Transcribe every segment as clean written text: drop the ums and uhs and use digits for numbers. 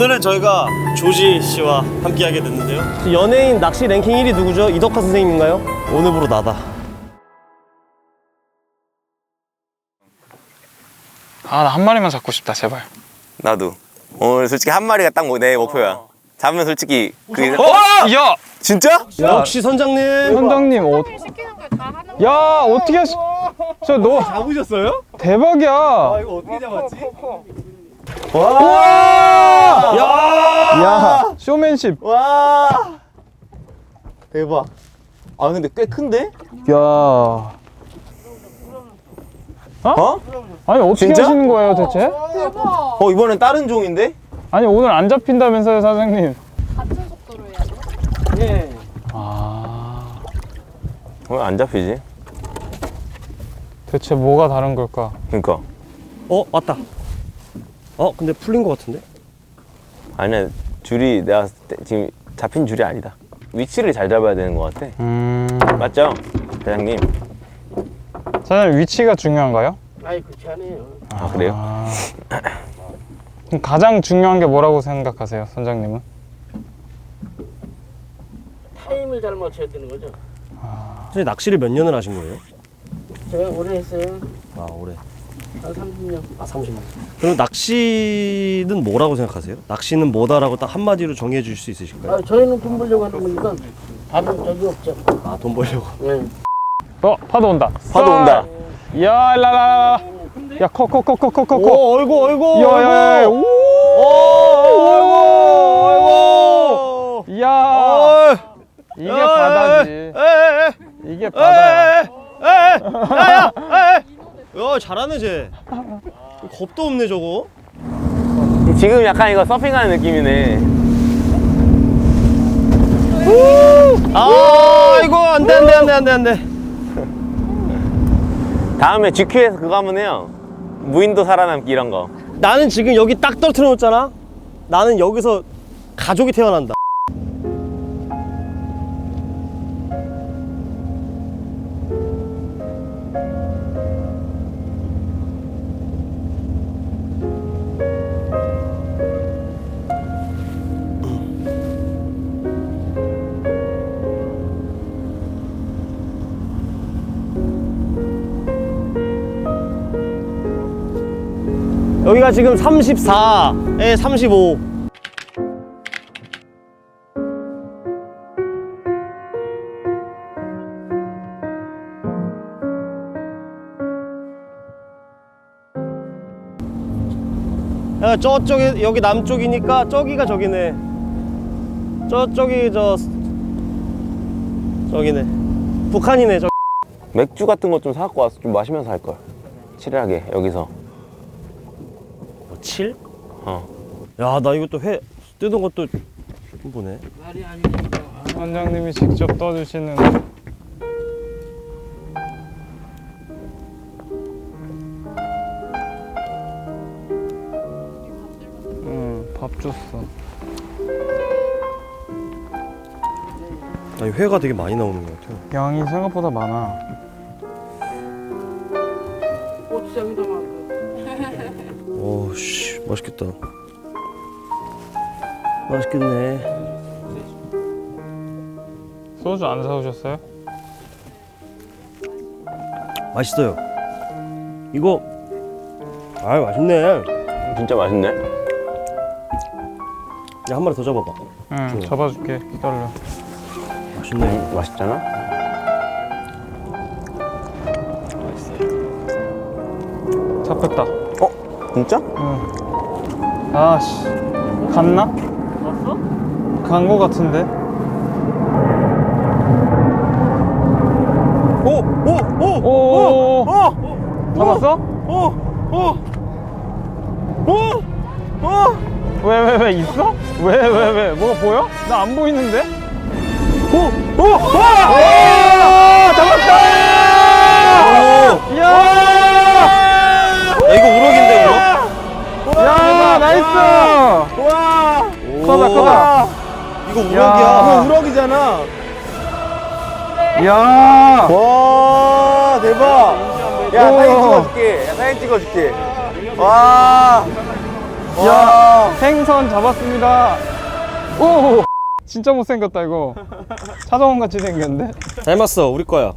오늘은 저희가 조지 씨와 함께하게 됐는데요. 연예인 낚시 랭킹 1위 누구죠? 이덕화 선생님인가요? 오늘부로 나다. 아, 나 한 마리만 잡고 싶다, 제발. 나도 오늘 솔직히 한 마리가 딱 내 목표야. 잡으면 솔직히 그게 야! 진짜? 역시 선장님. 선장님, 야, 어떻게 하시... 너 잡으셨어요? 대박이야. 이거 어떻게 잡았지? 와! 야! 야, 쇼맨십. 와 대박. 아 근데 꽤 큰데? 야. 아니, 어떻게 진짜? 하시는 거예요, 대체? 이번엔 다른 종인데? 아니, 오늘 안 잡힌다면서요, 사장님. 같은 속도로 해야 돼? 예. 아, 왜 안 잡히지? 대체 뭐가 다른 걸까? 그니까 왔다. 근데 풀린 것 같은데? 아니야, 줄이 내가 봤을 때 지금 잡힌 줄이 아니다. 위치를 잘 잡아야 되는 것 같아. 맞죠? 대장님. 사장님, 위치가 중요한가요? 아니 그렇지 않아요. 아 그래요? 그럼 가장 중요한 게 뭐라고 생각하세요, 선장님은? 타임을 잘 맞춰야 되는 거죠. 선생님 낚시를 몇 년을 하신 거예요? 제가 오래 했어요. 아 올해. 한 30년. 30년. 그럼 낚시는 뭐라고 생각하세요? 낚시는 뭐다라고 딱 한마디로 정해 줄 수 있으실까요? 저희는 돈 벌려고 하는 거니까 다른 적이 없죠. 돈 벌려고. 네. 파도 온다. 파도 온다. 야, 라라라. 야, 커. 오, 어이구. 야. 오, 어이구. 야. 이게 바다지. 이게 바다야. 야, 잘하네 쟤. 겁도 없네 저거. 지금 약간 이거 서핑하는 느낌이네. 이거 안돼. 다음에 GQ에서 그거 한번 해요. 무인도 살아남기 이런 거. 나는 지금 여기 딱 떨어뜨려 놓잖아. 나는 여기서 가족이 태어난다. 여기가 지금 34에 35. 야, 저쪽에 여기 남쪽이니까 저기가 저기네. 저쪽이 저기네. 북한이네. 맥주 같은 거 좀 사갖고 와서 좀 마시면서 할 걸. 칠하게 여기서. 7? 야, 나 이것도 회 뜯은 것도 보네. 말이 아니니까. 선장님이 직접 떠주시는. 밥 줬어. 아니, 회가 되게 많이 나오는 것 같아요. 양이 생각보다 많아. 고추장도 많고. 씨, 맛있겠다. 맛있겠네. 소주 안 사오셨어요? 맛있어요. 이거 맛있네. 진짜 맛있네. 야, 한 마리 더 잡아봐. 응, 잡아줄게. 기다려. 맛있네. 맛있잖아. 잡혔다. 진짜? 응. 아씨, 갔나? 왔어? 간 거 같은데? 오! 잡았어? 왜 있어? 왜 뭐가 보여? 나 안 보이는데? 잡았다! 야! 야, 이거 우럭인데, 우럭? 야, 나이스! 와! 크다. 이거 우럭이야. 야. 이거 우럭이잖아. 야! 와 대박. 야 사진 찍어줄게. 와. 야, 생선 잡았습니다. 오, 진짜 못생겼다 이거. 차정원 같이 생겼는데? 닮았어, 우리 거야.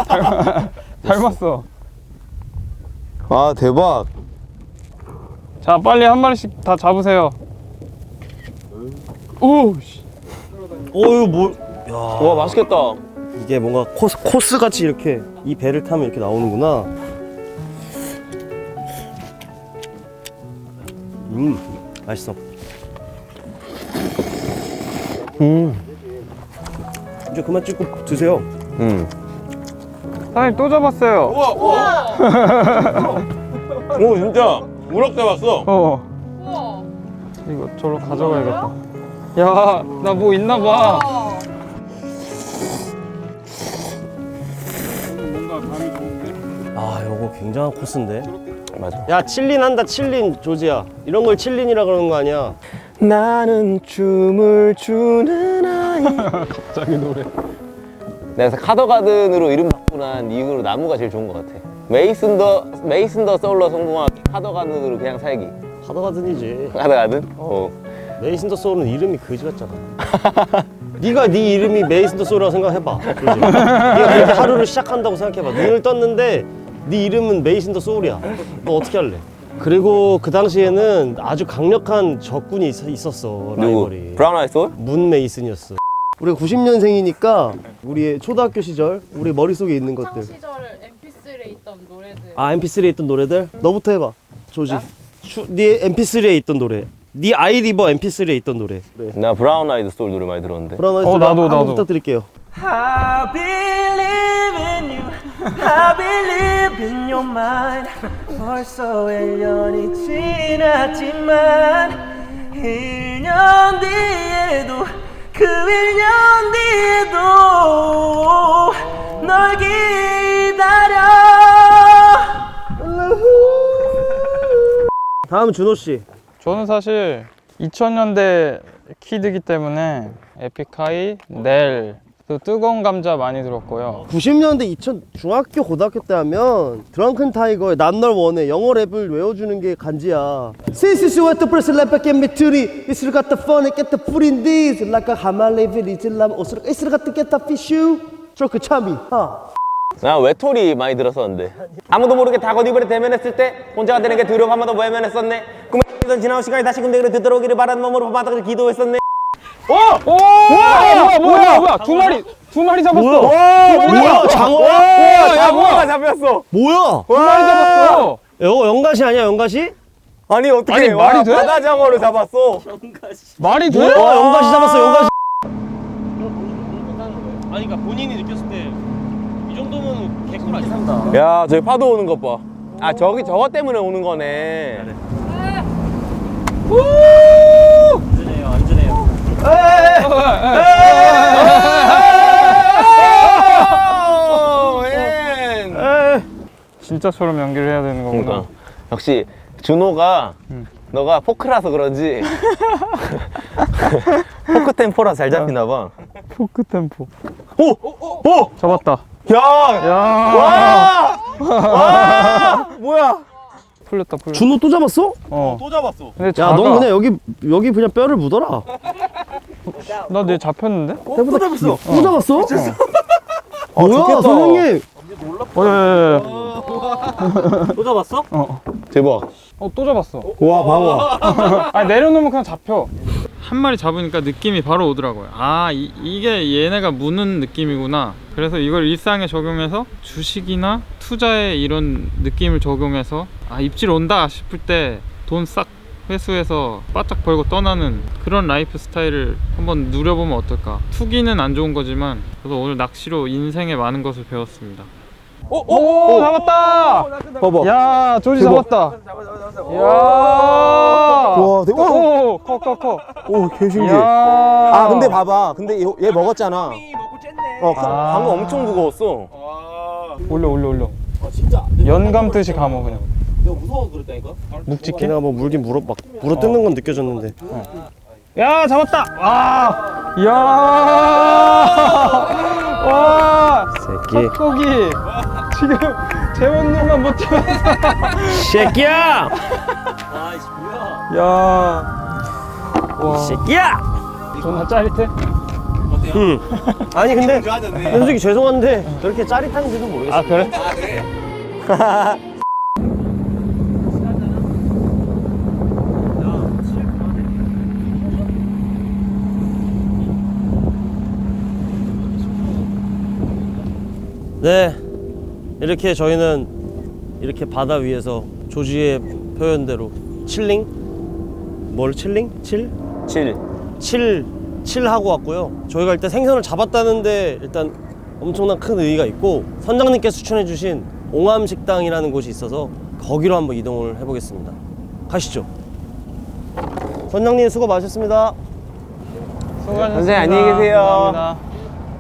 닮았어. 아 대박. 자, 빨리 한 마리씩 다 잡으세요. 오, 씨. 어유 뭐? 야, 와 맛있겠다. 이게 뭔가 코스 같이 이렇게 이 배를 타면 이렇게 나오는구나. 맛있어. 이제 그만 찍고 드세요. 사장님 또 잡았어요. 오 진짜 우럭 잡았어. 우와. 이거 저로 가져가야겠다. 야, 나 뭐 있나 봐. 아, 요거 굉장한 코스인데. 맞아. 야, 칠린 한다, 칠린, 조지야. 이런 걸 칠린이라 그러는 거 아니야? 나는 춤을 추는 아이. 갑자기 노래. 내가 카더가든으로 이름 바꾸고 난 이후로 나무가 제일 좋은 것 같아. 메이슨 더 소울로 성공한 카더가든으로 그냥 살기. 하더가든이지. 카더가든? 어. 메이슨 더 소울은 이름이 거지 같잖아. 네가 네 이름이 메이슨 더 소울이라고 생각해봐. 조지. 네가 그렇게 하루를 시작한다고 생각해봐. 눈을 떴는데 네 이름은 메이슨 더 소울이야. 너 어떻게 할래? 그리고 그 당시에는 아주 강력한 적군이 있었어. 누구? 라이벌이. 브라운 아이 소울? 문 메이슨이었어. 우리가 90년생이니까 우리의 초등학교 시절 우리 머릿속에 있는 창 것들. 시절 MP3에 있던 노래들. 아, MP3에 있던 노래들? 너부터 해봐, 조지. 네 MP3에 있던 노래. 네 아이리버 MP3에 있던 노래. 네. 나 브라운 아이드 소울 노래 많이 들었는데. 브라운 아이즈 나도. 부탁드릴게요. I believe in you. I believe in your mind. 벌써 1년이 지났지만 1년 뒤에도 그 1년 뒤에도 널 기다려. 다음 준호 씨. 저는 사실 2000년대 키드기 때문에 에픽하이, 넬, 또 뜨거운 감자 많이 들었고요. 90년대 2000 중학교 고등학교 때 하면 드렁큰 타이거의 난 널 원해 영어 랩을 외워주는 게 간지야. Since you want to press the lamp get me to the it's got the fun and get the food in this like a hammer level it's lam it's got to get the fish you 저그 참이 나 외톨이 많이 들었었는데. 아무도 모르게 다 겉입을에 대면했을 때 혼자가 되는 게 두려워 한 번 더 외면했었네. 꿈에 지나온 시간이 다시 군대로 되돌아오기를 바라는 마음으로 바닥을 기도했었네. 뭐야? 두 마리 잡았어. 뭐야 장어? 야, 뭐야? 잡혔어. 뭐야? 두 마리 잡았어. 이거 연가시 아니야 연가시? 아니 어떻게 아니, 말이 돼? 바다장어를 잡았어. 말이 돼? 뭐야 연가시 잡았어 연가시. 아니 그러니까 본인이 느꼈을 때 이 정도면 개꿀 아니야? 야 저기 파도 오는 것 봐. 아 저기 저거 때문에 오는 거네. 안전해요 안전해요. 진짜처럼 연기를 해야 되는 거구나. 그러니까 역시 준호가 너가 포크라서 그런지 포크 템포라 잘 잡히나 봐. 포크 템포. 오! 잡았다. 야! 야, 뭐야? 풀렸다. 준호 또 잡았어? 또 잡았어. 근데 야, 작아. 넌 그냥 여기 그냥 뼈를 묻어라. 나 내 잡혔는데? 또 잡았어. 또 잡았어? 뭐야, 좋겠다. 선생님? 야. 또 잡았어? 대박. 또 잡았어. 와, 봐봐. 아니, 내려놓으면 그냥 잡혀. 한 마리 잡으니까 느낌이 바로 오더라고요. 아, 이게 얘네가 무는 느낌이구나. 그래서 이걸 일상에 적용해서 주식이나 투자에 이런 느낌을 적용해서 아, 입질 온다 싶을 때 돈 싹 회수해서 바짝 벌고 떠나는 그런 라이프 스타일을 한번 누려보면 어떨까. 투기는 안 좋은 거지만 그래서 오늘 낚시로 인생에 많은 것을 배웠습니다. 오, 잡았다! 봐봐. 야, 조지 대박. 잡았다. 야, 와, 대박. 오, 커. 오, 개신기해. 야. 아, 근데 봐봐. 근데 얘 먹었잖아. 방금 엄청 무거웠어. 올려. 진짜? 연감듯이 감어 그냥. 내가 무서워서 그랬다니까? 묵직해? 내가 뭐 물긴 물어 뜯는 건 느껴졌는데. 야, 잡았다! 와! 이야! 와! 새끼. 젖고기! 지금 제 본능만 버티면서. 새끼야! 야. 와. 새끼야! 존나 짜릿해. 응. 아니 근데 솔직히 죄송한데 저렇게 짜릿한지도 모르겠어. 아 그래? 네, 이렇게 저희는 이렇게 바다 위에서 조지의 표현대로 칠링? 뭘 칠링? 칠? 7 하고 왔고요. 저희가 일단 생선을 잡았다는데 일단 엄청난 큰 의의가 있고 선장님께서 추천해 주신 옹암식당이라는 곳이 있어서 거기로 한번 이동을 해보겠습니다. 가시죠. 선장님 수고 많으셨습니다. 수고하셨습니다. 선생님, 안녕히 계세요. 감사합니다.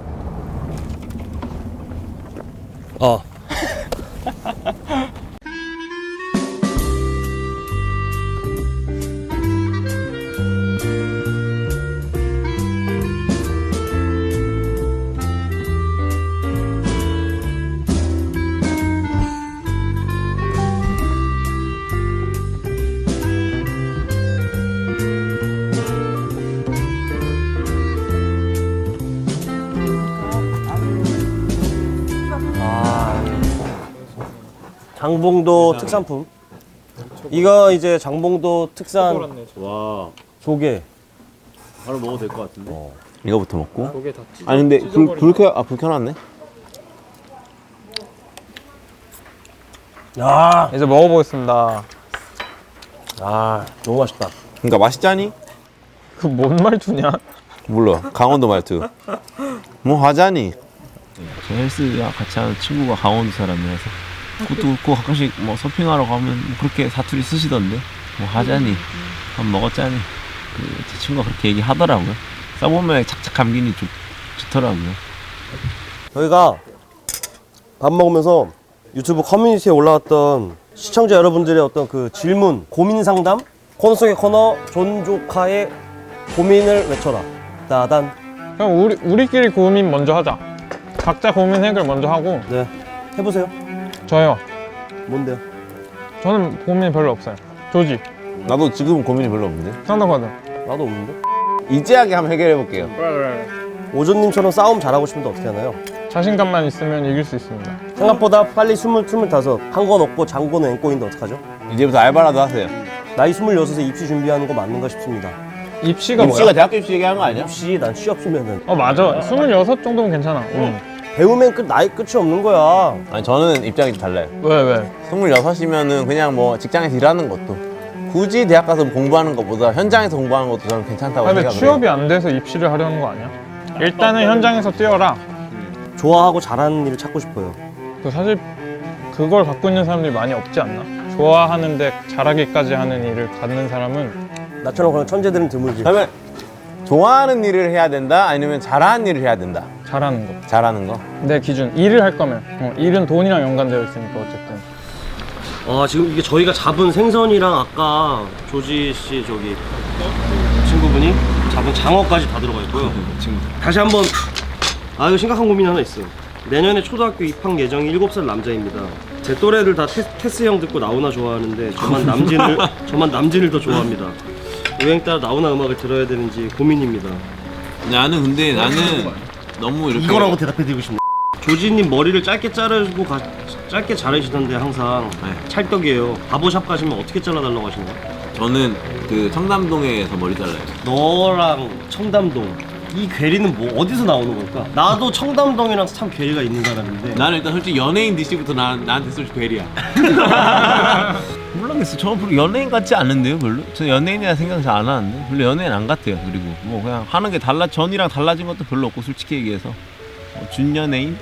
장봉도 특산품. 이거 이제 장봉도 특산 와, 조개. 바로 먹어도 될 것 같은데. 이거부터 먹고. 조개 다 찢어. 아니 근데 불 켜놨네. 야, 이제 먹어보겠습니다. 아, 너무 맛있다. 그러니까 맛있자니? 그 뭔 말투냐? 몰라. 강원도 말투. 뭐 하자니? 저 헬스랑 같이 하는 친구가 강원도 사람이라서 그것도 그렇고 가끔씩 뭐 서핑하러 가면 뭐 그렇게 사투리 쓰시던데 뭐 하자니 밥 먹었자니 제 친구가 그렇게 얘기하더라고요. 써보면 착착 감기니 좋더라고요. 저희가 밥 먹으면서 유튜브 커뮤니티에 올라왔던 시청자 여러분들의 어떤 그 질문, 고민 상담, 코너 속의 코너 존조카의 고민을 외쳐라. 따단. 그럼 우리끼리 고민 먼저 하자. 각자 고민 해결 먼저 하고. 네, 해보세요. 저요. 뭔데요? 저는 고민 별로 없어요. 조지, 나도 지금 고민이 별로 없는데. 상담받아. 나도 없는데. 이제하게 한번 해결해 볼게요. 그래. 오존님처럼 싸움 잘하고 싶은데 어떻게 하나요? 자신감만 있으면 이길 수 있습니다. 생각보다 빨리 20, 25 한 건 없고 장고는 앵꼬인데 어떡하죠? 이제부터 알바라도 하세요. 나이 26에 입시 준비하는 거 맞는가 싶습니다. 입시가 입시가 뭐야? 대학교 입시 얘기하는 거 아니야? 입시 난 취업 주면은 맞아. 26 정도면 괜찮아. 배우면 나이 끝이 없는 거야. 아니 저는 입장이 좀 달라요. 왜? 26이면은 그냥 뭐 직장에서 일하는 것도 굳이 대학 가서 공부하는 것보다 현장에서 공부하는 것도 저는 괜찮다고 근데 생각해요. 취업이 안 돼서 입시를 하려는 거 아니야? 일단은 현장에서 뛰어라. 좋아하고 잘하는 일을 찾고 싶어요. 그 사실 그걸 갖고 있는 사람들이 많이 없지 않나? 좋아하는데 잘하기까지 하는 일을 갖는 사람은 나처럼 그런 천재들은 드물지. 그러면 좋아하는 일을 해야 된다? 아니면 잘하는 일을 해야 된다? 잘하는 거. 잘하는 거? 내 기준. 일을 할 거면. 일은 돈이랑 연관되어 있으니까 어쨌든. 지금 이게 저희가 잡은 생선이랑 아까 조지 씨 저기 친구분이 잡은 장어까지 다 들어가 있고요. 다시 한번 이거 심각한 고민이 하나 있어요. 내년에 초등학교 입학 예정이 7살 남자입니다. 제 또래들 다 테스 형 듣고 나오나 좋아하는데 저만 남진을 더 좋아합니다. 유행 따라 나오나 음악을 들어야 되는지 고민입니다. 나는 너무 이렇게 이거라고 대답해드리고 싶네. 조지님 머리를 짧게 자르고 짧게 자르시던데 항상 찰떡이에요. 바보샵 가시면 어떻게 잘라달라고 하시는 거야? 저는 그 청담동에서 머리 잘라요. 너랑 청담동 이 괴리는 뭐 어디서 나오는 걸까? 나도 청담동이랑 참 괴리가 있는 사람인데 나는 일단 솔직히 연예인 DC부터 나한테 솔직히 괴리야. 모르겠어. 저 별로 연예인 같지 않은데요, 별로. 저 연예인이라 생각 잘 안 하는데 별로 연예인 안 같아요. 그리고 뭐 그냥 하는 게 전이랑 달라진 것도 별로 없고 솔직히 얘기해서 준연예인?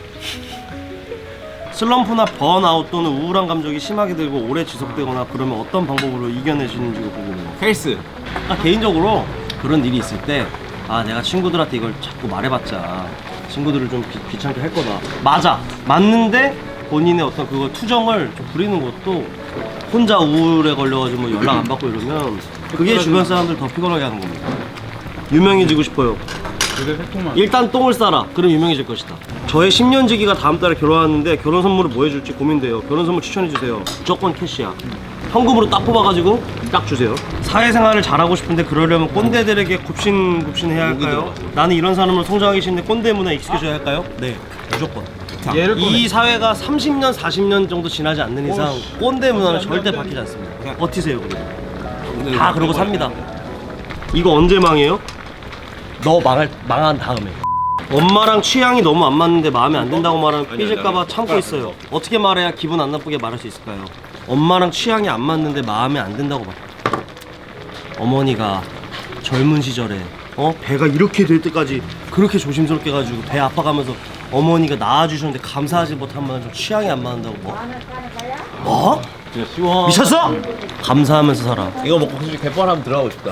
슬럼프나 번아웃 또는 우울한 감정이 심하게 들고 오래 지속되거나 그러면 어떤 방법으로 이겨내시는지가 궁금해요. 헬스. 개인적으로 그런 일이 있을 때 내가 친구들한테 이걸 자꾸 말해봤자 친구들을 좀 귀찮게 할 거다. 맞는데 본인의 어떤 그거 투정을 좀 부리는 것도 혼자 우울에 걸려가지고 뭐 연락 안 받고 이러면 그게 주변 사람들 더 피곤하게 하는 겁니다. 유명해지고 싶어요. 그게 새콤한. 일단 똥을 싸라. 그럼 유명해질 것이다. 저의 10년지기가 다음 달에 결혼하는데 결혼 선물을 뭐 해줄지 고민돼요. 결혼 선물 추천해주세요. 무조건 캐시야. 현금으로 딱 뽑아가지고 딱 주세요. 사회생활을 잘하고 싶은데 그러려면 꼰대들에게 굽신굽신해야 할까요? 나는 이런 사람으로 성장하기 싫은데 꼰대 문화에 익숙해져야 할까요? 네, 무조건. 얘를 이 사회가 30년, 40년 정도 지나지 않는 이상 꼰대 문화는 절대 바뀌지 않습니다. 버티세요, 그럼. 다 그러고 삽니다. 이거 언제 망해요? 너 망한 다음에. 엄마랑 취향이 너무 안 맞는데 마음에 안 든다고 말하면 삐질까봐 참고 있어요. 어떻게 말해야 기분 안 나쁘게 말할 수 있을까요? 엄마랑 취향이 안 맞는데 마음에 안 든다고 말. 어머니가 젊은 시절에 배가 이렇게 될 때까지 그렇게 조심스럽게 가지고 배 아파가면서 어머니가 낳아주셨는데 감사하지 못하면 좀 취향이 안 맞는다고 뭐? 미쳤어? 감사하면서 살아. 이거 먹고 솔직히 갯벌 한번 들어가고 싶다.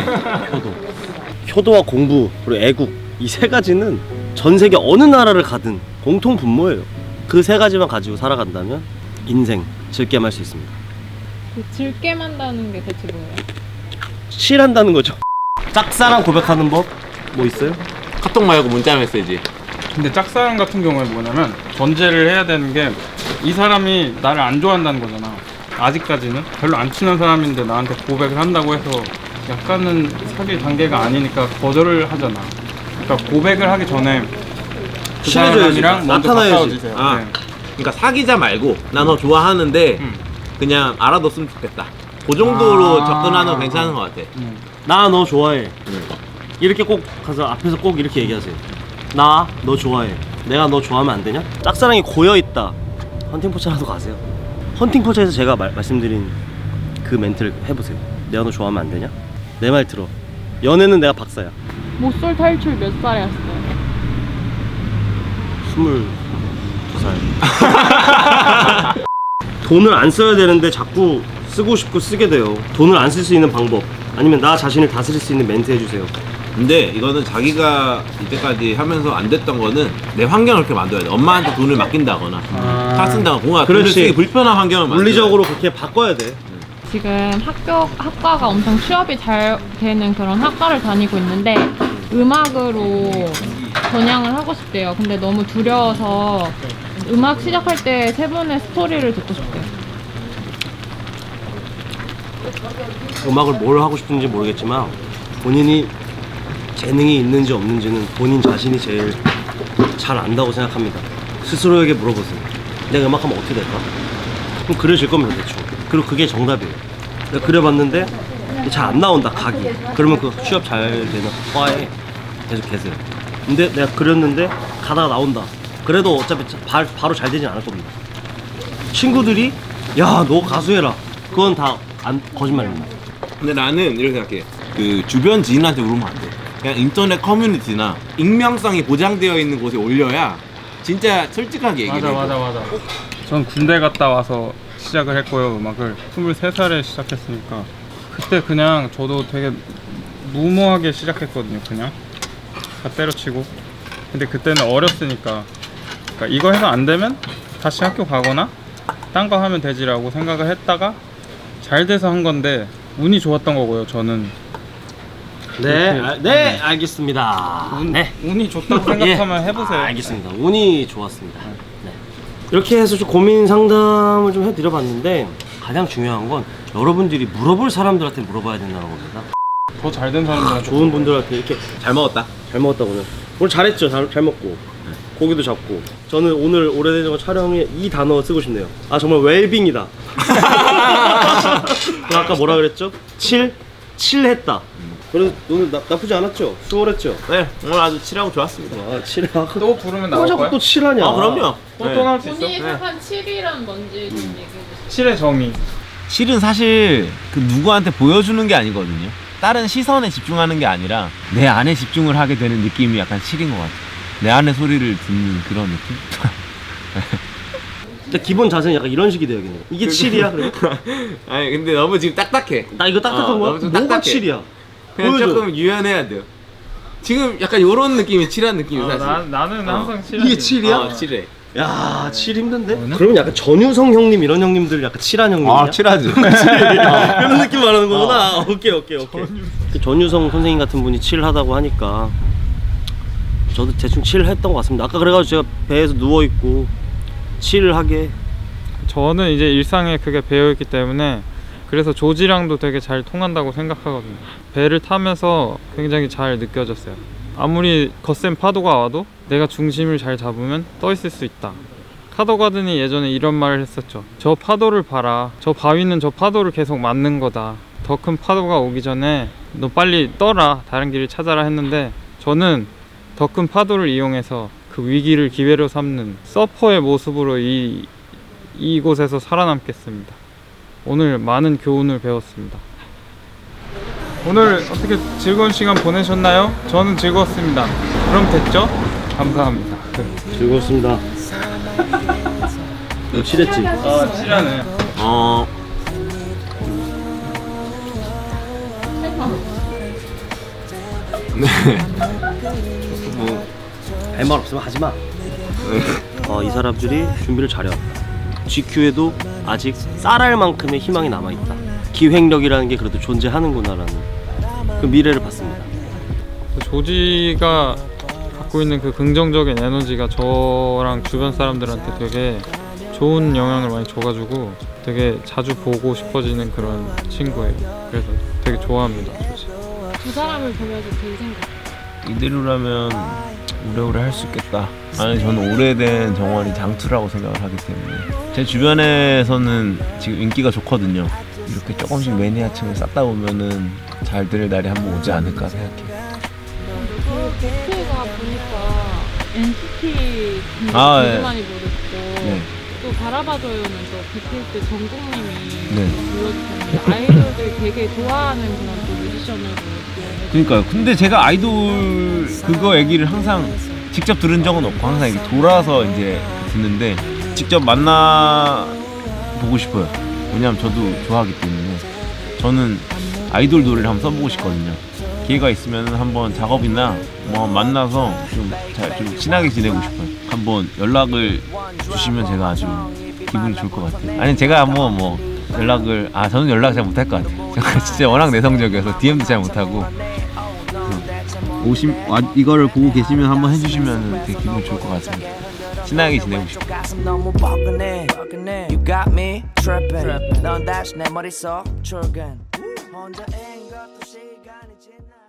효도와 공부 그리고 애국 이 세 가지는 전 세계 어느 나라를 가든 공통 분모예요. 그 세 가지만 가지고 살아간다면 인생 즐겜 할 수 있습니다. 그 즐게 만다는 게 대체 뭐예요? 칠한다는 거죠. 짝사랑 고백하는 법 뭐 있어요? 카톡 말고 문자 메시지. 근데 짝사랑 같은 경우에 뭐냐면 전제를 해야 되는 게 이 사람이 나를 안 좋아한다는 거잖아. 아직까지는 별로 안 친한 사람인데 나한테 고백을 한다고 해서 약간은 사귈 단계가 아니니까 거절을 하잖아. 그러니까 고백을 하기 전에 그 친해져야지. 사람이랑 먼저 나타나야지. 가까워지세요. 아. 네. 그러니까 사귀자 말고 나 너 좋아하는데 그냥 알아뒀으면 좋겠다. 그 정도로 아. 접근하는 거 괜찮은 것 같아. 나 너 좋아해. 이렇게 꼭 가서 앞에서 꼭 이렇게 얘기하세요. 나 너 좋아해. 내가 너 좋아하면 안 되냐? 짝사랑이 고여있다. 헌팅포차라도 가세요. 헌팅포차에서 제가 말씀드린 그 멘트를 해보세요. 내가 너 좋아하면 안 되냐? 내 말 들어. 연애는 내가 박사야. 모쏠 탈출 몇 살에 했어요? 22살. 돈을 안 써야 되는데 자꾸 쓰고 싶고 쓰게 돼요. 돈을 안 쓸 수 있는 방법 아니면 나 자신을 다스릴 수 있는 멘트 해주세요. 근데 이거는 자기가 이때까지 하면서 안 됐던 거는 내 환경을 그렇게 만들어야 돼. 엄마한테 돈을 맡긴다거나 차 쓴다거나 뭔가 돈을 그렇지. 쓰기 불편한 환경을 만들어야 돼. 물리적으로 그렇게 바꿔야 돼. 지금 학과가 엄청 취업이 잘 되는 그런 학과를 다니고 있는데 음악으로 전향을 하고 싶대요. 근데 너무 두려워서 음악 시작할 때 세 분의 스토리를 듣고 싶대요. 음악을 뭘 하고 싶은지 모르겠지만 본인이 재능이 있는지 없는지는 본인 자신이 제일 잘 안다고 생각합니다. 스스로에게 물어보세요. 내가 음악하면 어떻게 될까? 그럼 그려질 겁니다, 대충. 그리고 그게 정답이에요. 내가 그려봤는데 잘 안 나온다, 각이. 그러면 그 취업 잘 되는 과에 계속 계세요. 근데 내가 그렸는데 가다가 나온다. 그래도 어차피 바로 잘 되진 않을 겁니다. 친구들이 야, 너 가수해라. 그건 다 거짓말입니다. 근데 나는 이렇게 생각해. 그 주변 지인한테 물으면 안 돼. 그냥 인터넷 커뮤니티나 익명성이 보장되어 있는 곳에 올려야 진짜 솔직하게 얘기를 해. 맞아. 전 군대 갔다 와서 시작을 했고요, 음악을. 23살에 시작했으니까 그때 그냥 저도 되게 무모하게 시작했거든요. 그냥 다 때려치고. 근데 그때는 어렸으니까 그러니까 이거 해서 안 되면 다시 학교 가거나 딴 거 하면 되지라고 생각을 했다가 잘 돼서 한 건데 운이 좋았던 거고요, 저는. 네, 알겠습니다. 운이 좋다고 생각하면 해보세요. 알겠습니다. 운이 좋았습니다. 네. 이렇게 해서 좀 고민 상담을 좀 해드려봤는데 가장 중요한 건 여러분들이 물어볼 사람들한테 물어봐야 된다는 겁니다. 더 잘 된 사람들한테 좋은 분들한테 이렇게 잘 먹었다. 잘 먹었다 오늘 잘했죠. 잘 먹고 고기도 잡고. 저는 오늘 오래된 촬영에 이 단어 쓰고 싶네요. 아, 정말 웰빙이다. 아까 뭐라 그랬죠? 칠했다. 그래서 오늘 나쁘지 않았죠? 수월했죠? 네, 오늘 아주 칠하고 좋았습니다. 아, 칠하고 또 부르면 나올 자꾸 거야? 또 칠하냐? 아, 그럼요. 또 나올 수 있어? 본인이 생각한 7이란 뭔지 좀 얘기해주세요. 7의 정의. 실은 사실 그 누구한테 보여주는 게 아니거든요. 다른 시선에 집중하는 게 아니라 내 안에 집중을 하게 되는 느낌이 약간 칠인 것 같아. 내 안의 소리를 듣는 그런 느낌? 근데 기본 자세는 약간 이런 식이 돼야겠네. 이게 7이야? 그러면? 아니 근데 너무 지금 딱딱해. 나 이거 딱딱한 거야? 너무 좀 뭐가 딱딱해. 7이야? 그냥 보여줘. 조금 유연해야 돼요. 지금 약간 요런 느낌이 칠한 느낌이 사실. 나는 항상 7. 이게 7이야? 칠해. 야, 7 힘든데? 그러면 약간 전유성 형님 이런 형님들 약간 7한 형님이야? 칠하지. 그런 느낌 말하는 거구나. 오케이. 그 전유성 선생님 같은 분이 7하다고 하니까 저도 대충 칠을 했던 것 같습니다. 아까 그래가지고 제가 배에서 누워있고 칠을 하게. 저는 이제 일상에 그게 배어있기 때문에 그래서 조지랑도 되게 잘 통한다고 생각하거든요. 배를 타면서 굉장히 잘 느껴졌어요. 아무리 거센 파도가 와도 내가 중심을 잘 잡으면 떠 있을 수 있다. 카더가든이 예전에 이런 말을 했었죠. 저 파도를 봐라. 저 바위는 저 파도를 계속 맞는 거다. 더 큰 파도가 오기 전에 너 빨리 떠라. 다른 길을 찾아라 했는데 저는 더 큰 파도를 이용해서 그 위기를 기회로 삼는 서퍼의 모습으로 이곳에서 살아남겠습니다. 오늘 많은 교훈을 배웠습니다. 오늘 어떻게 즐거운 시간 보내셨나요? 저는 즐거웠습니다. 그럼 됐죠? 감사합니다. 즐거웠습니다. 너 칠했지? 아, 칠하네. 할 말 없으면 하지 마. 이 사람들이 준비를 잘해왔다. GQ에도 아직 쌀알 만큼의 희망이 남아있다. 기획력이라는 게 그래도 존재하는구나라는 그 미래를 봤습니다. 조지가 갖고 있는 그 긍정적인 에너지가 저랑 주변 사람들한테 되게 좋은 영향을 많이 줘가지고 되게 자주 보고 싶어지는 그런 친구예요. 그래서 되게 좋아합니다, 조지. 두 사람을 보면서 든 생각. 이대로라면 오래오래 할 수 있겠다. 아니, 저는 오래된 정원이 장투라고 생각을 하기 때문에 제 주변에서는 지금 인기가 좋거든요. 이렇게 조금씩 매니아층을 쌓다 보면은 잘 될 날이 한번 오지 않을까 생각해요. BT가 보니까 NCT 아, 되게 네. 많이 부르고 네. 또 바라봐줘요는 또 BTS 정국님이 네. 불러주셨는데 아이돌들이 되게 좋아하는 그런 또 뮤지션으로. 그러니까요. 근데 제가 아이돌 그거 얘기를 항상 직접 들은 적은 없고 항상 이렇게 돌아서 이제 듣는데 직접 만나 보고 싶어요. 왜냐면 저도 좋아하기 때문에 저는 아이돌 노래를 한번 써보고 싶거든요. 기회가 있으면 한번 작업이나 뭐 만나서 좀 친하게 지내고 싶어요. 한번 연락을 주시면 제가 아주 기분이 좋을 것 같아요. 아니 제가 한번 뭐 연락을 저는 연락 잘 못할 것 같아요. 제가 진짜 워낙 내성적이어서 DM도 잘 못하고 이거를 보고 계시면 한번 해주시면 되게 기분이 좋을 것 같습니다. 친하게 지내고 싶어요. 너무 뻐근해 You got me tripping 넌 다시 내 머릿속 출근 혼자인 것도 시간이 지나